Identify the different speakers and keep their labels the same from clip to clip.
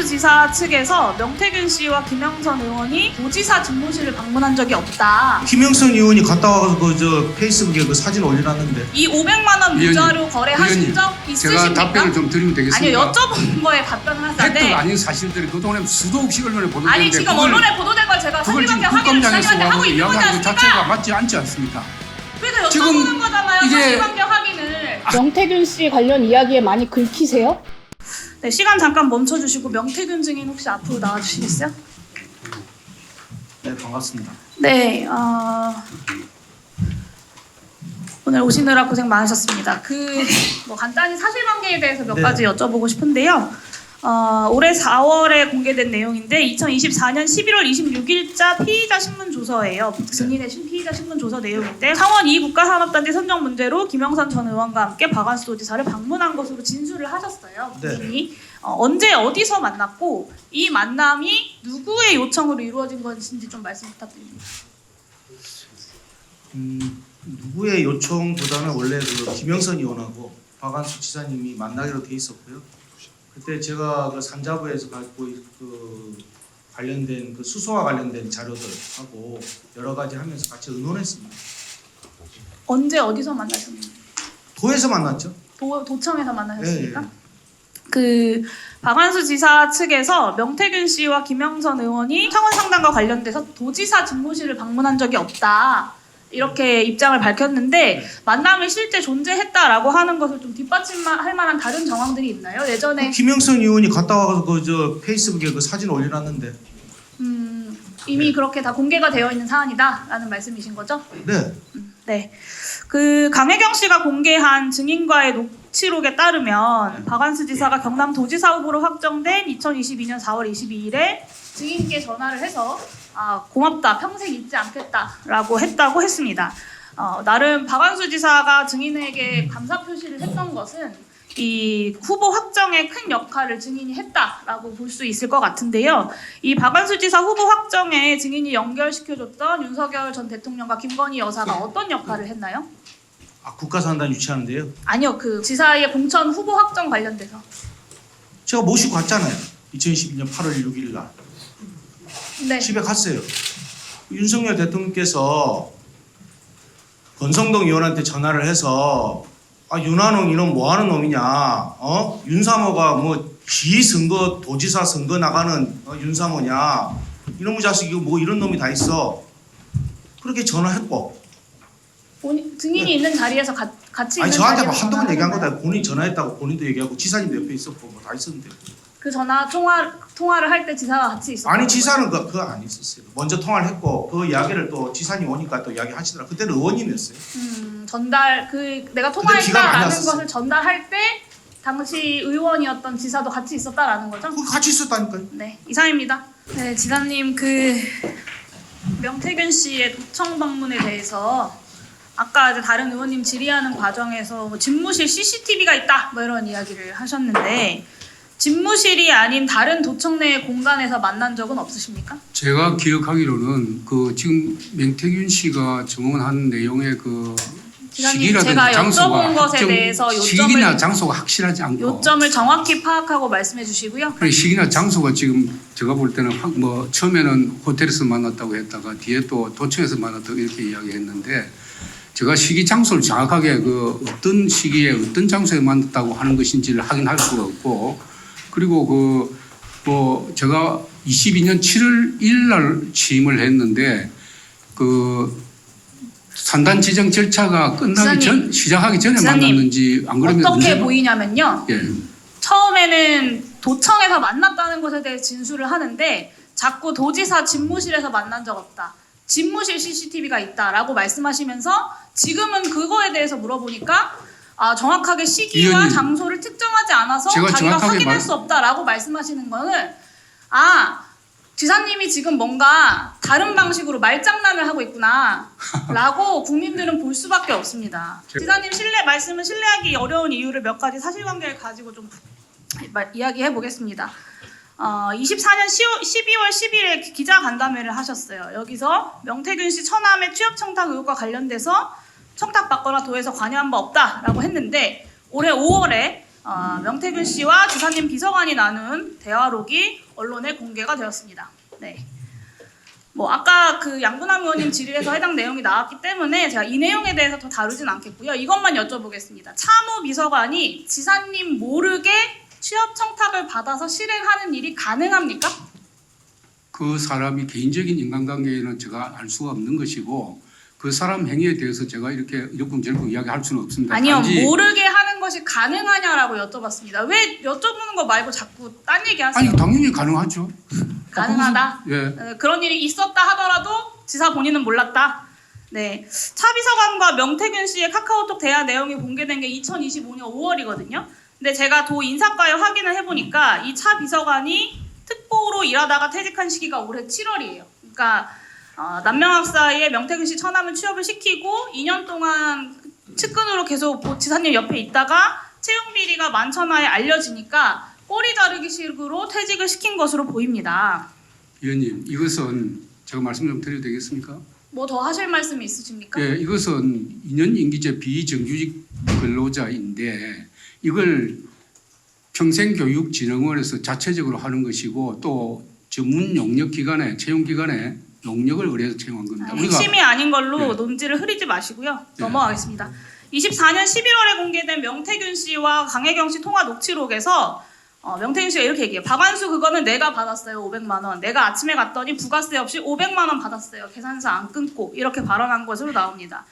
Speaker 1: 박완수 지사 측에서 명태균 씨와 김영선 의원이 도지사 집무실을 방문한 적이 없다.
Speaker 2: 김영선 의원이 갔다 와서 그 페이스북에 그 사진 올려놨는데.
Speaker 1: 이 500만 원 무자료 거래하신 적 있으십니까?
Speaker 3: 제가 답변을 좀 드리면 되겠습니까?
Speaker 1: 아니요, 여쭤본 거에 답변을 하는데.
Speaker 3: 팩트 아닌 사실들이 그동안에 수도 없이 언론에 보도되는데
Speaker 1: 아니 지금 언론에 보도된 걸 제가
Speaker 3: 그걸 지금
Speaker 1: 사실관계 확인을
Speaker 3: 국감장에서
Speaker 1: 지사님한테 하고 있는 거지
Speaker 3: 이야기하는 것 자체가
Speaker 1: 않습니까?
Speaker 3: 맞지 않지 않습니까?
Speaker 1: 그래서
Speaker 3: 지금
Speaker 1: 여쭤보는 거잖아요.
Speaker 3: 이게-
Speaker 1: 사실관계 확인을.
Speaker 4: 명태균 씨 관련 이야기에 많이 긁히세요?
Speaker 1: 네, 시간 잠깐 멈춰주시고 명태균 증인 혹시 앞으로 나와주시겠어요?
Speaker 2: 네, 반갑습니다.
Speaker 1: 네, 오늘 오시느라 고생 많으셨습니다. 뭐 간단히 사실관계에 대해서 몇
Speaker 2: 네.
Speaker 1: 가지 여쭤보고 싶은데요. 올해 4월에 공개된 내용인데 2024년 11월 26일자 피의자 신문 조서예요. 증인의 피의자 신문 조서 내용인데 창원 2국가산업단지 선정 문제로 김영선 전 의원과 함께 박완수 도지사를 방문한 것으로 진술을 하셨어요.
Speaker 2: 네.
Speaker 1: 본인이 언제 어디서 만났고 이 만남이 누구의 요청으로 이루어진 것인지 좀 말씀 부탁드립니다.
Speaker 2: 누구의 요청보다는 원래 그 김영선 의원하고 박완수 지사님이 만나기로 돼 있었고요. 그때 제가 그 산자부에서 갖고 그 관련된 그 수소와 관련된 자료들하고 여러 가지 하면서 같이 의논했습니다.
Speaker 1: 언제 어디서 만나셨나요?
Speaker 2: 도에서 만났죠.
Speaker 1: 도청에서 만나셨습니까?
Speaker 2: 네.
Speaker 1: 그 박완수 지사 측에서 명태균 씨와 김영선 의원이 창원 상담과 관련돼서 도지사 집무실을 방문한 적이 없다. 이렇게 입장을 밝혔는데 만남이 실제 존재했다라고 하는 것을 좀 뒷받침할 만한 다른 정황들이 있나요? 예전에
Speaker 2: 김영선 의원이 갔다 와서 그 페이스북에 그 사진 올려놨는데.
Speaker 1: 이미 그렇게 다 공개가 되어 있는 사안이다라는 말씀이신 거죠?
Speaker 2: 네.
Speaker 1: 네. 그 강혜경 씨가 공개한 증인과의 녹취록에 따르면 박완수 지사가 경남도지사 후보로 확정된 2022년 4월 22일에 증인께 전화를 해서 고맙다, 평생 잊지 않겠다라고 했다고 했습니다. 나름 박완수 지사가 증인에게 감사 표시를 했던 것은 이 후보 확정에 큰 역할을 증인이 했다라고 볼 수 있을 것 같은데요. 이 박완수 지사 후보 확정에 증인이 연결시켜줬던 윤석열 전 대통령과 김건희 여사가 어떤 역할을 했나요?
Speaker 2: 국가산단 유치하는데요.
Speaker 1: 아니요, 그 지사의 공천 후보 확정 관련돼서.
Speaker 2: 제가 모시고 갔잖아요. 2012년 8월 6일 날.
Speaker 1: 네.
Speaker 2: 집에 갔어요. 윤석열 대통령께서 권성동 의원한테 전화를 해서 윤한홍 이놈 뭐하는 놈이냐, 윤사모가 뭐 지 선거 도지사 선거 나가는 윤사모냐, 이놈의 자식 이거 뭐 이런 놈이 다 있어. 그렇게 전화했고.
Speaker 1: 증인이
Speaker 2: 네.
Speaker 1: 있는 자리에서 같이 있는
Speaker 2: 저한테
Speaker 1: 자리에서
Speaker 2: 한동안 얘기한
Speaker 1: 전화를
Speaker 2: 거다. 본인이 전화했다고 본인도 얘기하고 지사님도 옆에 있었고 뭐 다 있었는데.
Speaker 1: 그 전화 통화를 할 때 지사가 같이 있었어요.
Speaker 2: 아니 지사는 그거 안 있었어요. 먼저 통화를 했고 그 이야기를 또 지사님 오니까 또 이야기 하시더라. 그때는 의원님이었어요.
Speaker 1: 전달 내가
Speaker 2: 기가 많이
Speaker 1: 통화했다라는
Speaker 2: 났었어요.
Speaker 1: 것을 전달할 때 당시 의원이었던 지사도 같이 있었다라는 거죠?
Speaker 2: 그거 같이 있었다니까요.
Speaker 1: 네, 이상입니다. 네, 지사님 명태균 씨의 도청 방문에 대해서 아까 이제 다른 의원님 질의하는 과정에서 뭐 집무실 CCTV가 있다 뭐 이런 이야기를 하셨는데 집무실이 아닌 다른 도청 내 공간에서 만난 적은 없으십니까?
Speaker 3: 제가 기억하기로는 그 지금 명태균 씨가 증언한 내용의 그
Speaker 1: 기자님,
Speaker 3: 시기라든지
Speaker 1: 제가
Speaker 3: 장소가
Speaker 1: 여쭤본 것에 대해서
Speaker 3: 시기나 장소가 확실하지 않고
Speaker 1: 요점을 정확히 파악하고 말씀해 주시고요.
Speaker 3: 그래 시기나 장소가 지금 제가 볼 때는 뭐 처음에는 호텔에서 만났다고 했다가 뒤에 또 도청에서 만났다고 이렇게 이야기했는데 제가 시기 장소를 정확하게 그 어떤 시기에 어떤 장소에 만났다고 하는 것인지를 확인할 수가 없고 그리고 뭐 제가 22년 7월 1일 날 취임을 했는데 그 산단 지정 절차가 끝나기 시작하기 전에
Speaker 1: 지사님,
Speaker 3: 만났는지 안 그러면
Speaker 1: 어떻게 보이냐면요.
Speaker 3: 예.
Speaker 1: 처음에는 도청에서 만났다는 것에 대해 진술을 하는데 자꾸 도지사 집무실에서 만난 적 없다. 집무실 CCTV가 있다라고 말씀하시면서 지금은 그거에 대해서 물어보니까 정확하게 시기와
Speaker 3: 위원님,
Speaker 1: 장소를 특정하지 않아서
Speaker 3: 제가
Speaker 1: 자기가
Speaker 3: 정확하게
Speaker 1: 확인할 수 없다라고 말씀하시는 거는 지사님이 지금 뭔가 다른 방식으로 말장난을 하고 있구나 라고 국민들은 볼 수밖에 없습니다. 지사님 말씀은 신뢰하기 어려운 이유를 몇 가지 사실관계를 가지고 좀 이야기해 보겠습니다. 24년 12월 10일에 기자간담회를 하셨어요. 여기서 명태균 씨 처남의 취업 청탁 의혹과 관련돼서 청탁받거나 도에서 관여한 바 없다라고 했는데 올해 5월에 명태균 씨와 지사님 비서관이 나눈 대화록이 언론에 공개가 되었습니다. 네. 뭐 아까 그 양분남 의원님 질의에서 해당 내용이 나왔기 때문에 제가 이 내용에 대해서 더 다루진 않겠고요. 이것만 여쭤보겠습니다. 차무 비서관이 지사님 모르게 취업 청탁을 받아서 실행하는 일이 가능합니까?
Speaker 3: 그 사람이 개인적인 인간관계는 제가 알 수가 없는 것이고 그 사람 행위에 대해서 제가 이렇게 이러쿵저러쿵 이야기할 수는 없습니다.
Speaker 1: 아니요,
Speaker 3: 단지
Speaker 1: 모르게 하는 것이 가능하냐라고 여쭤봤습니다. 왜 여쭤보는 거 말고 자꾸 딴 얘기하세요?
Speaker 3: 아니 당연히 가능하죠.
Speaker 1: 가능하다.
Speaker 3: 예.
Speaker 1: 그런 일이 있었다 하더라도 지사 본인은 몰랐다. 네, 차 비서관과 명태균 씨의 카카오톡 대화 내용이 공개된 게 2025년 5월이거든요. 근데 제가 도 인사과에 확인을 해보니까 이 차 비서관이 특보로 일하다가 퇴직한 시기가 올해 7월이에요. 그러니까 남명학사에 명태균 씨 처남을 취업을 시키고 2년 동안 측근으로 계속 지사님 옆에 있다가 채용 비리가 만천하에 알려지니까 꼬리 자르기 식으로 퇴직을 시킨 것으로 보입니다.
Speaker 3: 위원님, 이것은 제가 말씀 좀 드려도 되겠습니까?
Speaker 1: 뭐 더 하실 말씀이 있으십니까?
Speaker 3: 예, 이것은 2년 임기제 비정규직 근로자인데 이걸 평생교육진흥원에서 자체적으로 하는 것이고 또 전문 용역 기관에 채용 기관에 용역을 의뢰해서 채용한 겁니다.
Speaker 1: 핵심이 아닌 걸로
Speaker 3: 예.
Speaker 1: 논지를 흐리지 마시고요.
Speaker 3: 예.
Speaker 1: 넘어가겠습니다. 24년 11월에 공개된 명태균 씨와 강혜경 씨 통화 녹취록에서 명태균 씨가 이렇게 얘기해요. 박완수 그거는 내가 받았어요. 500만 원. 내가 아침에 갔더니 부가세 없이 500만 원 받았어요. 계산서 안 끊고 이렇게 발언한 것으로 나옵니다.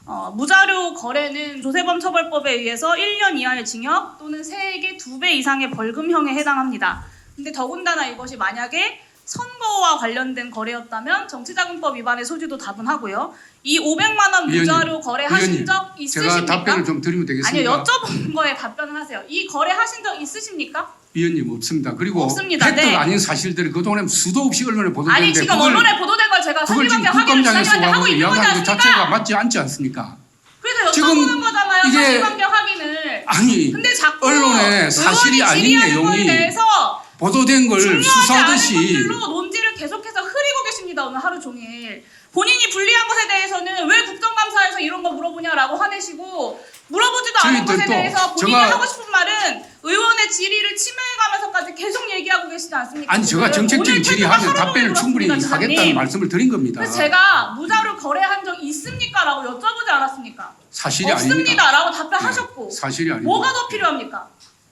Speaker 1: 무자료 거래는 조세범 처벌법에 의해서 1년 이하의 징역 또는 세액의 2배 이상의 벌금형에 해당합니다. 근데 더군다나 이것이 만약에 선거와 관련된 거래였다면 정치자금법 위반의 소지도 다분하고요. 이 500만 원 무자료 거래하신 적 있으십니까?
Speaker 3: 제가 답변을 좀 드리면 되겠습니까?
Speaker 1: 아니요, 여쭤본 거에 답변을 하세요. 이 거래하신 적 있으십니까?
Speaker 3: 위원님 없습니다. 그리고
Speaker 1: 없습니다.
Speaker 3: 팩트
Speaker 1: 네.
Speaker 3: 아닌 사실들이 그동안에 수도 없이 언론에
Speaker 1: 아니
Speaker 3: 보도되는데
Speaker 1: 지금 언론에 보도된 걸 제가
Speaker 3: 그걸 지금
Speaker 1: 사실관계 확인을
Speaker 3: 국감장에서
Speaker 1: 지사님한테 하고
Speaker 3: 와서
Speaker 1: 있는 거지
Speaker 3: 이야기하는 것
Speaker 1: 않습니까?
Speaker 3: 자체가 맞지 않지 않습니까?
Speaker 1: 그래서
Speaker 3: 지금
Speaker 1: 여쭤보는 거잖아요.
Speaker 3: 이게
Speaker 1: 사실관계 확인을.
Speaker 3: 아니
Speaker 1: 근데 자꾸
Speaker 3: 언론에 사실이
Speaker 1: 의원이
Speaker 3: 아닌
Speaker 1: 질의하는 거에
Speaker 3: 내용이
Speaker 1: 대해서
Speaker 3: 보도된 걸
Speaker 1: 중요하지
Speaker 3: 수사하듯이
Speaker 1: 않은 것들로 논지를 계속해서 흐리고 계십니다. 오늘 하루 종일. 본인이 불리한 것에 대해서는 왜 국정감사에서 이런 거 물어보냐라고 화내시고 물어보지도 않은 것에
Speaker 3: 저희들도
Speaker 1: 대해서 본인이
Speaker 3: 제가-
Speaker 1: 하고 싶은 말은 의원의 질의를 침해가면서까지 계속 얘기하고 계시지 않습니까?
Speaker 3: 아니 제가
Speaker 1: 지금?
Speaker 3: 정책적인
Speaker 1: 오늘
Speaker 3: 질의하면
Speaker 1: 태도가
Speaker 3: 답변을
Speaker 1: 서로
Speaker 3: 충분히
Speaker 1: 그렇습니다,
Speaker 3: 하겠다는
Speaker 1: 지사님.
Speaker 3: 말씀을 드린 겁니다.
Speaker 1: 그래서 제가 무자료 거래한 적 있습니까? 라고 여쭤보지 않았습니까?
Speaker 3: 사실이
Speaker 1: 없습니다.
Speaker 3: 아닙니다.
Speaker 1: 라고 답변하셨고
Speaker 3: 사실이 아닙니다.
Speaker 1: 뭐가 더 필요합니까?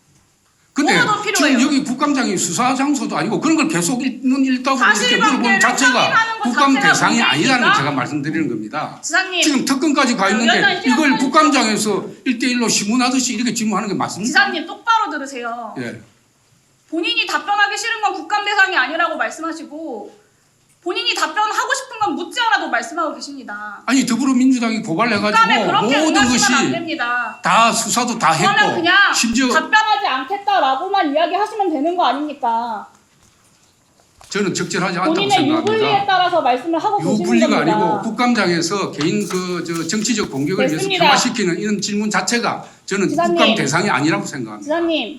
Speaker 3: 근데
Speaker 1: 뭐가 더 필요해요?
Speaker 3: 지금 여기 국감장이 수사 장소도 아니고 그런 걸 계속 읽는 일답으로 이렇게
Speaker 1: 사실관계를
Speaker 3: 물어보는 자체가
Speaker 1: 확인하는 것
Speaker 3: 국감
Speaker 1: 자체가
Speaker 3: 대상이 아니라는 걸
Speaker 1: 문제입니까?
Speaker 3: 제가 말씀드리는 겁니다.
Speaker 1: 지사님
Speaker 3: 지금 특검까지 가 있는데
Speaker 1: 위원장님,
Speaker 3: 이걸
Speaker 1: 시간
Speaker 3: 국감장에서 1대1로 신문하듯이 이렇게 질문하는 게 맞습니까?
Speaker 1: 지사님 똑바로 들으세요.
Speaker 3: 예.
Speaker 1: 본인이 답변하기 싫은 건 국감 대상이 아니라고 말씀하시고 본인이 답변하고 싶은 건 묻지 않아도 말씀하고 계십니다.
Speaker 3: 아니 더불어민주당이
Speaker 1: 국감에
Speaker 3: 고발해가지고
Speaker 1: 그렇게
Speaker 3: 모든 것이
Speaker 1: 응하시면 안 됩니다.
Speaker 3: 다 수사도 다
Speaker 1: 그거는
Speaker 3: 했고
Speaker 1: 그냥
Speaker 3: 심지어
Speaker 4: 답변하지 않겠다라고만 이야기하시면 되는 거 아닙니까?
Speaker 3: 저는 적절하지 않다고
Speaker 4: 본인의 유불리에
Speaker 3: 생각합니다.
Speaker 4: 따라서 말씀을 하고 계시는
Speaker 3: 유불리가
Speaker 4: 겁니다.
Speaker 3: 아니고 국감장에서 개인 저 정치적 공격을 위해서
Speaker 4: 됐습니다.
Speaker 3: 폄하시키는 이런 질문 자체가 저는
Speaker 4: 지사님.
Speaker 3: 국감 대상이 아니라고 생각합니다.
Speaker 4: 지사님.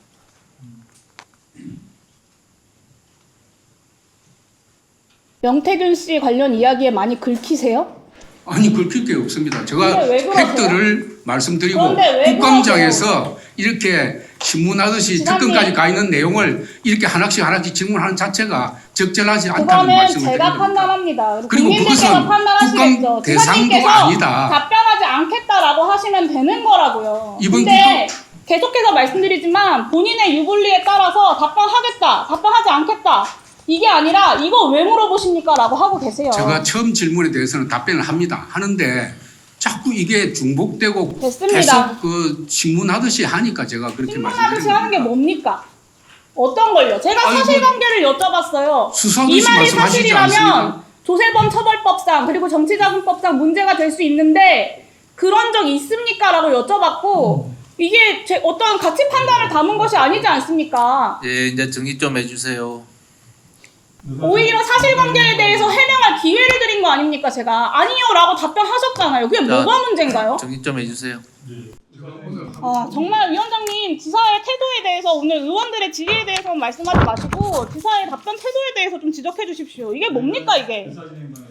Speaker 4: 명태균 씨 관련 이야기에 많이 긁히세요?
Speaker 3: 아니 긁힐 게 없습니다. 제가
Speaker 4: 근데 왜 그러세요?
Speaker 3: 팩트를 말씀드리고
Speaker 4: 그런데 왜
Speaker 3: 국감장에서 이렇게 신문하듯이
Speaker 4: 지사님.
Speaker 3: 특검까지 가 있는 내용을 이렇게 하나씩 질문하는 자체가 적절하지 않다는
Speaker 4: 그거는
Speaker 3: 말씀을
Speaker 4: 제가
Speaker 3: 드립니다.
Speaker 4: 판단합니다.
Speaker 3: 그리고
Speaker 4: 국민들께서
Speaker 3: 그것은
Speaker 4: 판단하시겠죠.
Speaker 3: 국감 대상도
Speaker 4: 지사님께서
Speaker 3: 아니다.
Speaker 4: 답변하지 않겠다라고 하시면 되는 거라고요.
Speaker 3: 이번
Speaker 4: 근데 계속해서 말씀드리지만 본인의 유불리에 따라서 답변하겠다, 답변하지 않겠다 이게 아니라 이거 왜 물어보십니까? 라고 하고 계세요.
Speaker 3: 제가 처음 질문에 대해서는 답변을 합니다. 하는데 자꾸 이게 중복되고
Speaker 4: 됐습니다.
Speaker 3: 계속 그 신문하듯이 하니까 제가 그렇게
Speaker 4: 신문하듯이
Speaker 3: 말씀드립니다.
Speaker 4: 하는 게 뭡니까? 어떤 걸요? 제가
Speaker 3: 아이고,
Speaker 4: 사실관계를 여쭤봤어요.
Speaker 3: 수사하듯이
Speaker 4: 이 말이
Speaker 3: 말씀하시지
Speaker 4: 사실이라면
Speaker 3: 않습니까?
Speaker 4: 조세범 처벌법상 그리고 정치자금법상 문제가 될 수 있는데 그런 적 있습니까? 라고 여쭤봤고 이게 어떤 가치 판단을 담은 것이 아니지 않습니까?
Speaker 5: 예, 이제 정리 좀 해주세요.
Speaker 4: 오히려 사실관계에 대해서 해명할 기회를 드린 거 아닙니까? 제가 아니요 라고 답변하셨잖아요. 그게
Speaker 5: 자,
Speaker 4: 뭐가 문제인가요?
Speaker 5: 정리 좀 해주세요.
Speaker 4: 정말 위원장님 지사의 태도에 대해서 오늘 의원들의 질의에 대해서 말씀하지 마시고 지사의 답변 태도에 대해서 좀 지적해 주십시오. 이게 뭡니까 이게?